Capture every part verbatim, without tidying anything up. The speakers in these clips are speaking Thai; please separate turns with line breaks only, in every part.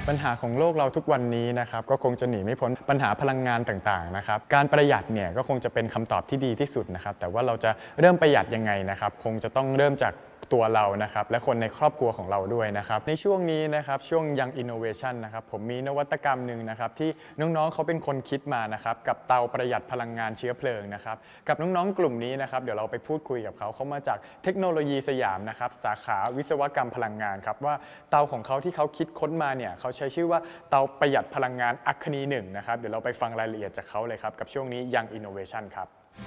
ปัญหาของโลกเราทุกวันนี้นะครับก็คงจะหนีไม่พ้นปัญหาพลังงานต่างๆนะครับการประหยัดเนี่ยก็คงจะเป็นคำตอบที่ดีที่สุดนะครับแต่ว่าเราจะเริ่มประหยัดยังไงนะครับคงจะต้องเริ่มจากตัวเรานะครับและคนในครอบครัวของเราด้วยนะครับในช่วงนี้นะครับช่วง Young Innovation นะครับผมมีนวัตกรรมหนึ่งนะครับที่น้องๆเขาเป็นคนคิดมานะครับกับเตาประหยัดพลังงานเชื้อเพลิงนะครับกับน้องๆกลุ่มนี้นะครับเดี๋ยวเราไปพูดคุยกับเขาเขามาจากเทคโนโลยีสยามนะครับสาขาวิศวกรรมพลังงานครับว่าเตาของเขาที่เขาคิดค้นมาเนี่ยเขาใช้ชื่อว่าเตาประหยัดพลังงานอัคคนีหนึ่งนะครับเดี๋ยวเราไปฟังรายละเอียดจากเขาเลยครับกับช่วงนี้ Young Innovation ครับ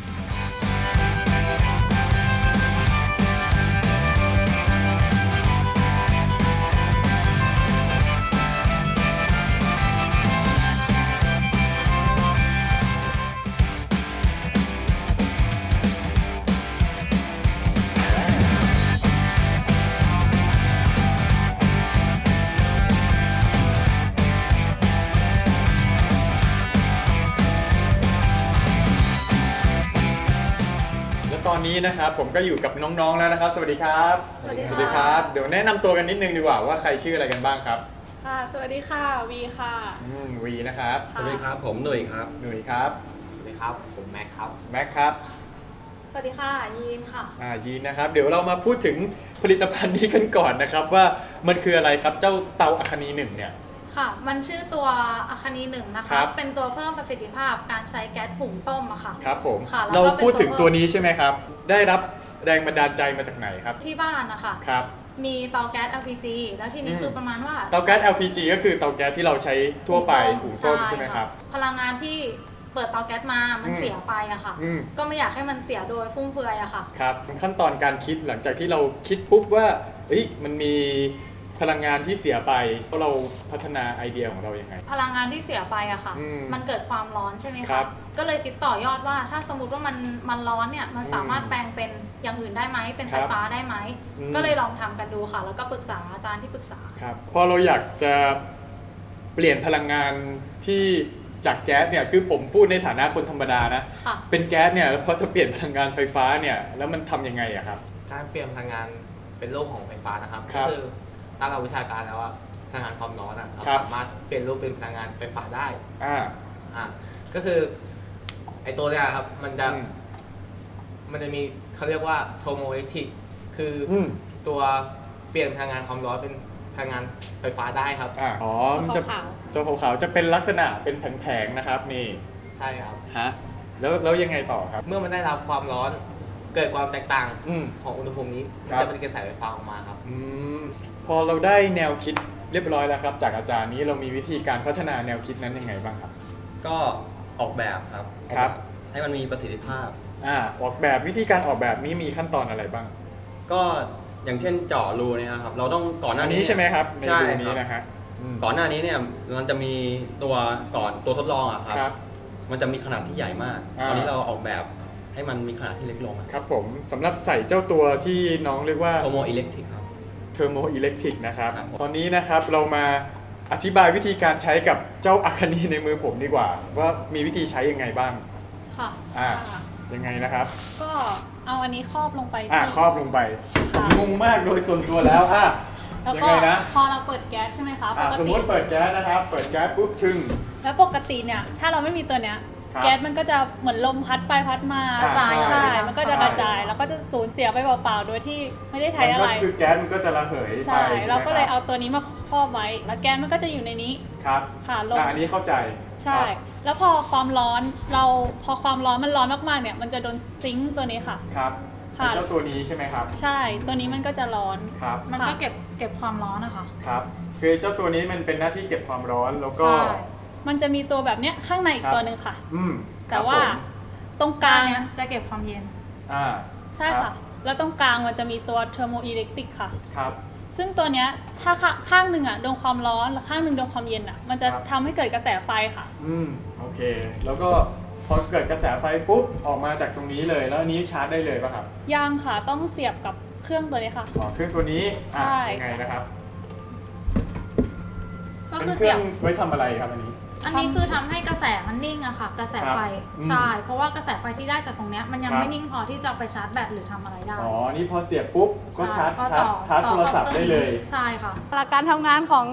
ตอนนี้นะครับผมก็อยู่กับน้องๆแล้วนะครับสวัสดีครับ
สวัสดีค่ะ
สวัสดีครับเดี๋ยวแนะนำตัวกันนิดนึงดีกว่าว่าใครชื่ออะไรกันบ้างครับ
ค่ะสวัสดีค่ะวีค่ะ
อืมวีนะครับ
สวัสดีครับผมหนุ่ยครับ
หนุ่ยครับ
สวัสดีครับผมแม็กครับ
แม็กครับ
สวัสดีค่ะยีนค่ะ
อ่ายีนนะครับเดี๋ยวเรามาพูดถึงผลิตภัณฑ์นี้กันก่อนนะครับว่ามันคืออะไรครับเจ้าเตาอัคคนีหนึ่งเนี่ย
ค่ะมันชื่อตัวอัคคนีหนึ่งนะ
ครั
คะ
บ
เป็นตัวเพิ่มประสิทธิภาพการใช้แก๊สหุงต้มอะค่ะ
ครับผม
ค่ะแล้วก็
เราพูดถึง
เป็นตัว
ตัวนี้ใช่ไหมครับได้รับแรงบันดาลใจมาจากไหนครับ
ที่บ้านนะคะ
ครับ
มีเตาแก๊ส แอล พี จี แล้วทีนี้
อืม
คือประมาณว่า
เตาแก๊ส แอล พี จี ก็คือเตาแก๊สที่เราใช้ทั่วไปหุงต้มใช่ไหมครับ
พลังงานที่เปิดเตาแก๊สมามัน
อืม
เสียไปอะค่ะ
อืม
ก็ไม่อยากให้มันเสียโดยฟุ่มเฟือยอะค่ะ
ครับขั้นตอนการคิดหลังจากที่เราคิดปุ๊บว่าเอ้ยมันมีพลังงานที่เสียไปเราพัฒนาไอเดียของเรายังไง
พลังงานที่เสียไปอะค่ะ
อืม
มันเกิดความร้อนใช่ไหม
ครั
คะ
บ
ก็เลยคิดต่อยอดว่าถ้าสมมติว่ามันมันร้อนเนี่ย มันสามารถ
อืม
แปลงเป็นอย่างอื่นได้ไหม เป็นไฟ
ครับ
ฟ้าได้ไหม
อืม
ก็เลยลองทำกันดูค่ะ แล้วก็ปรึกษาอาจารย์ที่ปรึกษา
ครับพอเราอยากจะเปลี่ยนพลังงานที่จากแก๊สเนี่ยคือผมพูดในฐานะคนธรรมดานะ
ค่ะ
เป็นแก๊สเนี่ยแล้วพอจะเปลี่ยนพลังงานไฟฟ้าเนี่ยแล้วมันทำยังไงอะครับ
การเปลี่ยนพลังงานเป็นโลกของไฟฟ้านะครับ
ครั
ก็
บ
คือตามหลักวิชาการแล้วว่าพลังงานความร้อนอ่ะเรา
ครับ
สามารถเปลี่ยนรูปเป็นพลังงานไฟฟ้าได้
อ่า
อ่าก็คือไอตัวเนี้ยครับมันจะ
อืม
มันจะมีเขาเรียกว่าโทโมอิเล็กทริกคืออ
อืม
ตัวเปลี่ยนพลังงานความร้อนเป็นพลังงานไฟฟ้าได้ครับ
อ่าอ๋อมันจะ
ขาว
ตัวขาวๆจะเป็นลักษณะเป็นแผงๆนะครับนี่
ใช่ครับ
ฮะแล้วแล้วยังไงต่อครับ
เมื่อมันได้รับความร้อนเกิดความแตกต่าง
อืม
ของอุณหภูมินี้
ค
มั
รับ
นจะเป็นกระแสไฟฟ้าออกมาครับ
อืมพอเราได้แนวคิดเรียบร้อยแล้วครับ จากอาจารย์นี้เรามีวิธีการพัฒนาแนวคิดนั้นยังไงบ้างครับ
ก็ออกแบบครับ
ครับ
ให้มันมีประสิทธิภาพ
อ่าออกแบบวิธีการออกแบบนี้มีขั้นตอนอะไรบ้าง
ก็อย่างเช่นเจาะรูเนี่ยนะครับ เราต้องก่อนหน้า
อัน
นี้
นี้ใช่ไหมครับใน
ใช่
รู
ค
นี้
รับ
นะฮะอืม
ก่อนหน้านี้เนี่ยมันจะมีตัวก่อนตัวทดลองอะครับ
ครับ
มันจะมีขนาดที่ใหญ่มาก
อ่า
ตอนนี้เราออกแบบให้มันมีขนาดที่เล็กลง
ครับผมสำหรับใส่เจ้าตัวที่น้องเรียกว่า
โทโมอิเล็กทริกครับ
เทอร์โมอิเล็กทริกนะครับ
ครับผม
ตอนนี้นะครับเรามาอธิบายวิธีการใช้กับเจ้าอัคคนีในมือผมดีกว่า ว่ามีวิธีใช้ยังไงบ้าง
ค่ะ
อ่า
ค่ะ
ยังไงนะครับ
ก็เอาอันนี้ครอบลงไป
อ่า
ที่
ครอบลงไป
ค่ะ
งงมากโดยส่วนตัวแล้วอ่ะ
แล้ว
ยัง
ก็
ไงนะ
พอเราเปิดแก๊สใช่ไหมคะ ป
อ่ะ
ก
สม
ติ
มติเปิดแก๊สนะครับ เปิดแก๊สปุ๊บชึ่ง
แล้วปกติเนี่ย ถ้าเราไม่มีตัวเนี้ย
ครับ
แก๊สมันก็จะเหมือนลมพัดไปพัดมา
อ่าก
ระจาย
ใช่
ใช่ มันก็จะ
ใช่
กระจาย แล้วก็จะสูญเสียไปเปล่าๆ โดยที่ไม่ได้ใช้
มัน
อะ
ก็
ไร
คือแก๊สมันก็จะระเหยไป
ใช่
ใช่ไหม
เราก็เลย
ค
เอา
รับ
ตัวนี้มาครอบไว้ แล้วแก๊สมันก็จะอยู่ในนี้
ครับ
ค่ะลง
อ่ะอันนี้เข้าใจ
ใช่
ครับ
แล้วพอความร้อนเราพอความร้อนมันร้อนมากๆเนี่ย มันจะโดนซิงค์ตัวนี้ค่ะ
ครับ
ค่ะ
เป็นเจ้าตัวนี้ใช่ไหมครับ
ใช่ตัวนี้มันก็จะร้อน
ครับ
มันก็เก็บเก็บความร้อนนะคะ
ครับคือเจ้าตัวนี้มันเป็นหน้าที่เก็บความร้อนแล้วก็
ใช่ มันจะมีตัวแบบเนี้ยข้างในอี
ครั
ก
บ
ตัวหนึ่งค่ะ
อืม
แต่ว่า
ครับผม
ตรงกลางเนี่ยจะเก็บความเย็น
อ่า
ใช่
รับ
ค่ะ แล้วตรงกลางมันจะมีตัวเทอร์โมอิเล็กตริกค่ะ
ครับ
ซึ่งตัวเนี้ยถ้าข้าข้างหนึ่งอ่ะโดนความร้อนแล้วข้างหนึ่งโดนความเย็นอ่ะ มันจะ
ครับ
ทำให้เกิดกระแสไฟค่ะ
อืมโอเค แล้วก็พอเกิดกระแสไฟปุ๊บออกมาจากตรงนี้เลย แล้วอันนี้ชาร์จได้เลยป่ะครับ
ยังค่ะต้องเสียบกับเครื่องตัวนี้ค่ะ
อ๋อเครื่องตัวนี้อ่ะ
ใช่
ยังไงนะครับ
ก็
เป็น
คือ
เค
เสี
รื่
ย
อบ งไว้ทำอะไรครับอันนี้
อันนี้คือทำให้กระแสมันนิ่งอะค่ะ กระแสไฟ
ครับอืม
ใช่ เพราะว่ากระแสไฟที่ได้จากตรงเนี้ยมันยัง
ครับ
ไม่นิ่งพอที่จะเอาไปชาร์จแบตหรือทำอะไรได้
อ๋อ นี่พอเสียบปุ๊บก็ชาร์จ
ใก็
ชาร์จ
ต่อ
ชาร์จ
ต่อ
โทรศัพท์
ข้า
ได้
คอง
เลย
ใช่ค่ะหลักการทำงานของ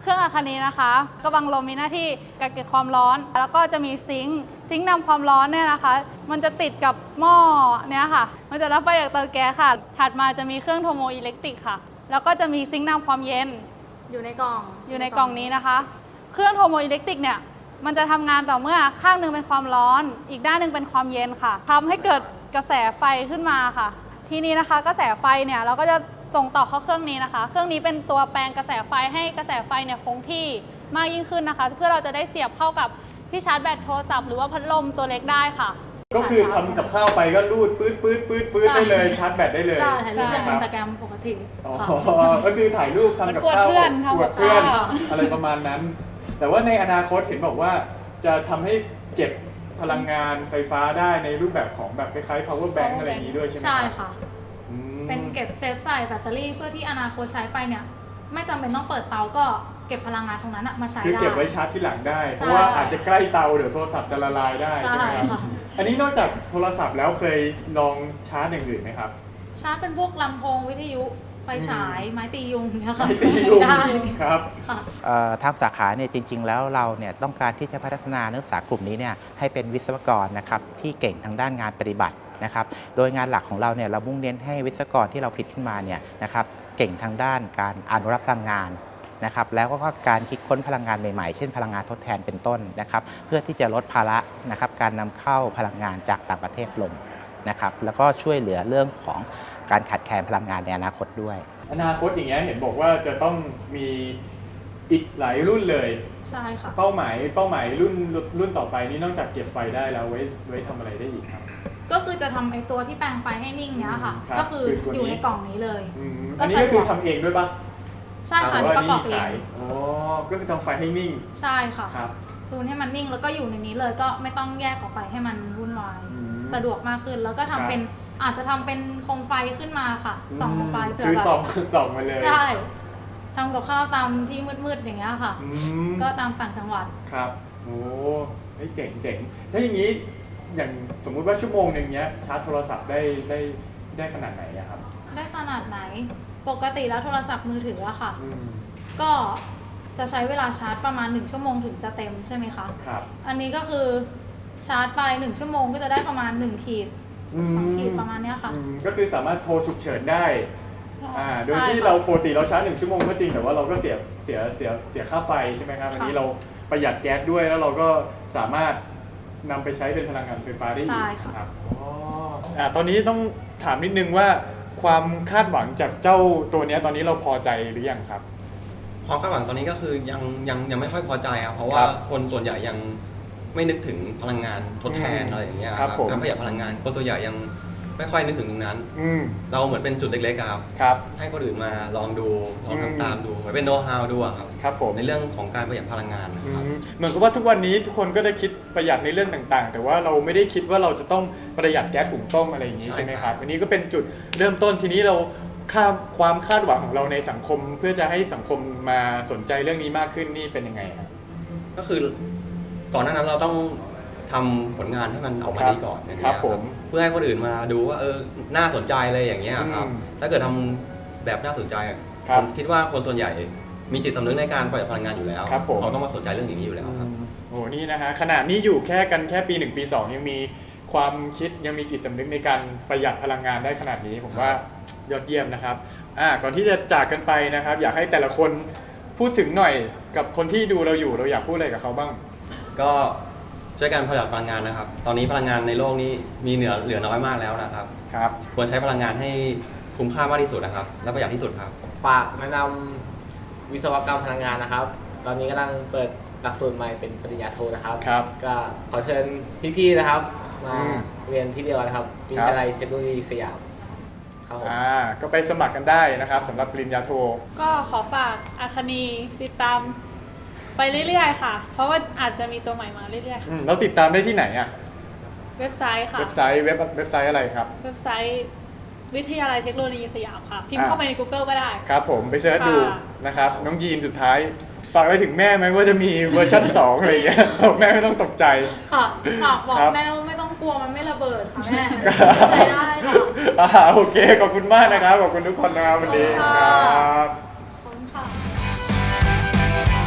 เครื่องอาคานีนะคะกระบังลมมีหน้าที่กักเก็บความร้อน แล้วก็จะมีซิงค์ซิงค์นำความร้อนเนี่ยนะคะ มันจะติดกับหม้อเนี่ยค่ะ มันจะรับไฟจากเตาแก๊สค่ะ ถัดมาจะมีเครื่องโทโมอิเล็กตริกค่ะ แล้วก็จะมีซิงค์นำความเย็น
อยู่ในกล่อง
อยู่ในกล่องนี้นะคะ เครื่องโทโมอิเล็กตริกเนี่ยมันจะทำงานต่อเมื่อข้างหนึงเป็นความร้อน อีกด้านหนึ่งเป็นความเย็นค่ะทำให้เกิดกระแสไฟขึ้นมาค่ะ ทีนี้นะคะกระแสไฟเนี่ยเราก็จะส่งต่อเข้าเครื่องนี้นะคะ เครื่องนี้เป็นตัวแปลงกระแสไฟให้กระแสไฟเนี่ยคงที่มากยิ่งขึ้นนะคะ เพื่อเราจะได้เสียบเข้ากับที่ชาร์จแบตโทรศัพท์หรือว่าพัดลมตัวเล็กได้ค่ะ
ก็คือทำกับข้าวไปก็รูดปื๊ดปื๊ดปื๊ดปื๊ดได้เลยชาร์จแบตได้เลย
ใช่ถ่ายรูปเป็น
ค
อิ
รั
น
บ
สตาแกรมปกติ
อ๋อ
ค่ะ
ก็คือถ่ายรูปทำกับข้าว
อวดเพื่อนทำ
อว
กั
ด
บ
เพื่อน
ข้าว
อะไรประมาณนั้น แต่ว่าในอนาคตเห็นบอกว่าจะทำให้เก็บพลังงานไฟฟ้าได้ในรูปแบบของแบบคล้ายๆ power bank อะไรอย่างนี้ด้วยใช่ไหม
ใช่
รับ
ค่ะ
อืม
เป็นเก็บเซฟใส่แบตเตอรี่เพื่อที่อนาคตใช้ไปเนี่ย ไม่จำเป็นต้องเปิดเตาก็เก็บพลังงานตรงนั้นอะมาใช้
คือ
ได้
เก็บไว้ชาร์จที่หลังได้
ใช่
เพราะว่าอาจจะใกล้เตาเดี๋ยวโทรศัพท์จะละลายได้ใช่ไหมครับ
ใช่ค่ะ
อันนี้นอกจากโทรศัพท์แล้วเคยลองชาร์จอย่างอื่นไหมครับ
ชาร์จเป็นพวกลำโพงวิทยุไฟฉายไม้ตียุงเนี่ยค่ะ
ไม่ตียุง
ได้
ครับ
ค่ะ
เอ่อทางสาขาเนี่ยจริง ๆ แล้วเราเนี่ยต้องการที่จะพัฒนานักศึกษากลุ่มนี้เนี่ยให้เป็นวิศวกรนะครับที่เก่งทางด้านงานปฏิบัตินะครับโดยงานหลักของเราเนี่ยเรามุ่งเน้นให้วิศวกรที่เราผลิตขึ้นมาเนี่ยนะครับเก่งทางด้านการอนุรักษ์พลังงานนะครับแล้วก็การคิดค้นพลังงานใหม่ๆเช่นพลังงานทดแทนเป็นต้นนะครับเพื่อที่จะลดภาระนะครับการนำเข้าพลังงานจากต่างประเทศลงนะครับแล้วก็ช่วยเหลือเรื่องของการขาดแคลนพลังงานในอนาคตด้วย
อนาคตอย่างเงี้ยเห็นบอกว่าจะต้องมีอีกหลายรุ่นเลย
ใช่ค่ะ
เป้าหมายเป้าหมายรุ่นรุ่นต่อไปนี่นอกจากเก็บไฟได้แล้วไว้ไว้ทำอะไรได้อีกครับ
ก็คือจะทำไอ้ตัวที่แปลงไฟให้นิ่งเนี้ยค่ะ
ครับ
ก็คือ
คือตัวนี้
อยู่ในกล่องนี้เลย
อืม
ก็
อันนี้
ใส่
ก็คือทำเองด้วยปะ
ใช่ค่ะ
หรือ
นี่
ว่า
ประกอบเอ
นี่มีขาง ยอ๋อก็คือทำไฟให้นิ่ง
ใช่ค่ะ
ครับ
จูนให้มันนิ่งแล้วก็อยู่ในนี้เลยก็ไม่ต้องแยกออกไปให้มันวุ่นวาย
อืม
สะดวกมากขึ้น แล้วก็ทำเป็นอาจจะทำเป็นโคมไฟขึ้นมาค่ะส่องลงไปเผื่อ
คือ
แบบ
ส่องส่องมาเลย
ใช่ทำกับข้าวตามที่มืดๆอย่างเงี้ยค่ะ
อืม
ก็ตามต่างจังหวัด
ครับโอ้เฮ้ยเจ๋งเจ๋งถ้าอย่างนี้อย่างสมมุติว่าชั่วโมงหนึ่งเนี้ยชาร์จโทรศัพท์ได้ได้ได้ขนาดไหนอะครับ
ได้ขนาดไหน ปกติแล้วโทรศัพท์มือถืออะค่ะ
อืม
ก็จะใช้เวลาชาร์จประมาณหนึ่งชั่วโมงถึงจะเต็มใช่ไหมคะ
ครับ
อันนี้ก็คือชาร์จไปหนึ่งชั่วโมงก็จะได้ประมาณหนึ่งขีด
อืม
สองขีดประมาณเนี้ยค่ะ
อืมก็คือสามารถโทรฉุกเฉินได้อ่าโดย
ใช่
ที่
ค่ะ
เราปกติเราชาร์จหนึ่งชั่วโมงก็จริงแต่ว่าเราก็เสียเสียเสียเสียค่าไฟใช่ไหมครับอันนี้
ค่ะ
เราประหยัดแก๊สด้วยแล้วเราก็สามารถนำไปใช้เป็นพลังงานไฟฟ้าได้อีก
ใช่ค่ะ
ครับอ๋ออ่าตอนนี้ต้องถามนิดนึงว่าความคาดหวังจากเจ้าตัวเนี้ยตอนนี้เราพอใจหรือยังครับ
ความคาดหวังตอนนี้ก็คือยังยังยังไม่ค่อยพอใจครับเพราะ
ค
ว่า
รับ
คนส่วนใหญ่ยังไม่นึกถึงพลังงานทดแทน
อืม
อะไรอย่างเงี้ย
ครับผม
การประหยัดพลังงานคนส่วนใหญ่ยังไม่ค่อยนึกถึงตรงนั้น
อืม
เราเหมือนเป็นจุดเล็กๆอะครับ
ครับ
ให้คนอื่นมาลองดูลอง
อืม
ทำตามดูเหมือนเป็นโน้ตฮาวดูอะครับ
ครับผม
ในเรื่องของการประหยัดพลังงานนะ
อื
ครับ
มเหมือนกับว่าทุกวันนี้ทุกคนก็ได้คิดประหยัดในเรื่องต่างๆ แต่ว่าเราไม่ได้คิดว่าเราจะต้องประหยัดแก๊สหุงต้มอะไรอย่างนี้
ใช่
ใช่ไหมค
ครั
รับบ อันนี้ก็เป็นจุดเริ่มต้นทีนี้เราค่าความคาดหวังของเราในสังคม เพื่อจะให้สังคมมาสนใจเรื่องนี้มากขึ้นนี่เป็นยังไงครับ
ก็คือก่อนหน้านั้นเราต้องทำผลงานให้มันออกมา
ครับ
ดีก่อนอย่าง
ครั
เงี้
บ
ย
ผม
เพื่อให้คนอื่นมาดูว่าเออน่าสนใจเลยอย่างเงี้ยครับ
อืม
ถ้าเกิดทำแบบน่าสนใจ
ครับ
ผมคิดว่าคนส่วนใหญ่มีจิตสำนึกในการประหยัดพลังงานอยู่แล้ว
ครับผม
เขาต้องมาสนใจเรื่องอย่างนี้อยู่แล้วครับ
โอ้โหนี่นะฮะขนาดนี้อยู่แค่กันแค่ปีหนึ่งปีสองยังมีความคิดยังมีจิตสำนึกในการประหยัดพลังงานได้ขนาดนี้ผมว่ายอดเยี่ยมนะครับอ่าก่อนที่จะจากกันไปนะครับ อยากให้แต่ละคนพูดถึงหน่อยกับคนที่ดูเราอยู่เราอยากพูดอะไรกับเขาบ้าง
ก็ช่วยกันประหยัดพลังงานนะครับ ตอนนี้พลังงานในโลกนี้มีเหลือเหลือน้อยมากแล้วนะครับ
ครับ
ควรใช้พลังงานให้คุ้มค่ามากที่สุดนะครับ และประหยัดที่สุดครับ
ฝากแนะนำวิศวกรรมพลังงานนะครับ ตอนนี้กำลังเปิดหลักสูตรใหม่เป็นปริญญาโทนะครับ
ครับ
ก็ขอเชิญพี่ๆนะครับ มา
อืม
เรียนที่เดียวกันนะครับวิทยาลัยเทคโนโลยีสยามครับผม
อ่าก็ไปสมัครกันได้นะครับสำหรับปริญญาโท
ก็ขอฝากอาคานีติดตามไปเรื่อยๆค่ะ เพราะว่าอาจจะมีตัวใหม่มาเรื่อยๆค่ะ
อืมเราติดตามได้ที่ไหนอ่ะ
เว็บไซต์ค่ะ
เว็บไซต์เว็บเว็บไซต์อะไรครับ
เว็บไซต์วิทยาลัยเทคโนโลยีสยามค่ะ พิมพ์
อ่า
เข้าไปใน Google ก็ได้
ครับผมไปเสิร์ชดู
ค่ะ
นะครับน้องยีนสุดท้ายฝากไปถึงแม่ไหมว่าจะมีเวอร์ชันสองอะไรอย่างเงี้ยบอกแม่ไม่ต้องตกใจ
ค่ะฝากบอก
ครับ
แม่ว่าไม่ต้องกลัวมันไม่ระเบิดค่ะแม่
ครับ
ใจได้ค่ะ
อ่าโอเคขอบคุณมากนะครับขอบคุณทุกคนนะครับวันนี้
ขอบคุณค่ะ
ครับ
ขอบคุณค่ะ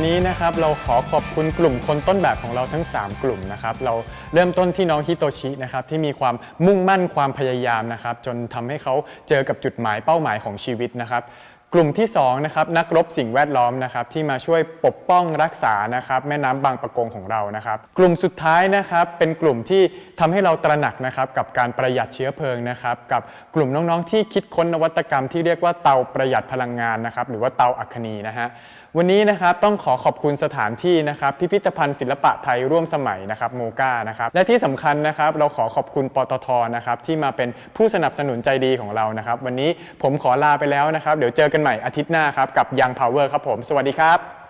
นี้นะครับเราขอขอบคุณกลุ่มคนต้นแบบของเราทั้งสามกลุ่มนะครับเราเริ่มต้นที่น้องฮิโตชินะครับที่มีความมุ่งมั่นความพยายามนะครับจนทำให้เขาเจอกับจุดหมายเป้าหมายของชีวิตนะครับกลุ่มที่สองนะครับนักรบสิ่งแวดล้อมนะครับที่มาช่วยปกป้องรักษานะครับแม่น้ำบางปะกงของเรานะครับกลุ่มสุดท้ายนะครับเป็นกลุ่มที่ทำให้เราตระหนักนะครับกับการประหยัดเชื้อเพลิงนะครับกับกลุ่มน้องๆที่คิดค้นนวัตกรรมที่เรียกว่าเตาประหยัดพลังงานนะครับหรือว่าเตาอัคคนีนะฮะวันนี้นะครับต้องขอขอบคุณสถานที่นะครับพิพิธภัณฑ์ศิลปะไทยร่วมสมัยนะครับโมก้านะครับและที่สำคัญนะครับเราขอขอบคุณปตทนะครับที่มาเป็นผู้สนับสนุนใจดีของเรานะครับวันนี้ผมขอลาไปแล้วนะครับเดี๋ยวเจอกันใหม่อาทิตย์หน้าครับกับ Young Power ครับผมสวัสดีครับ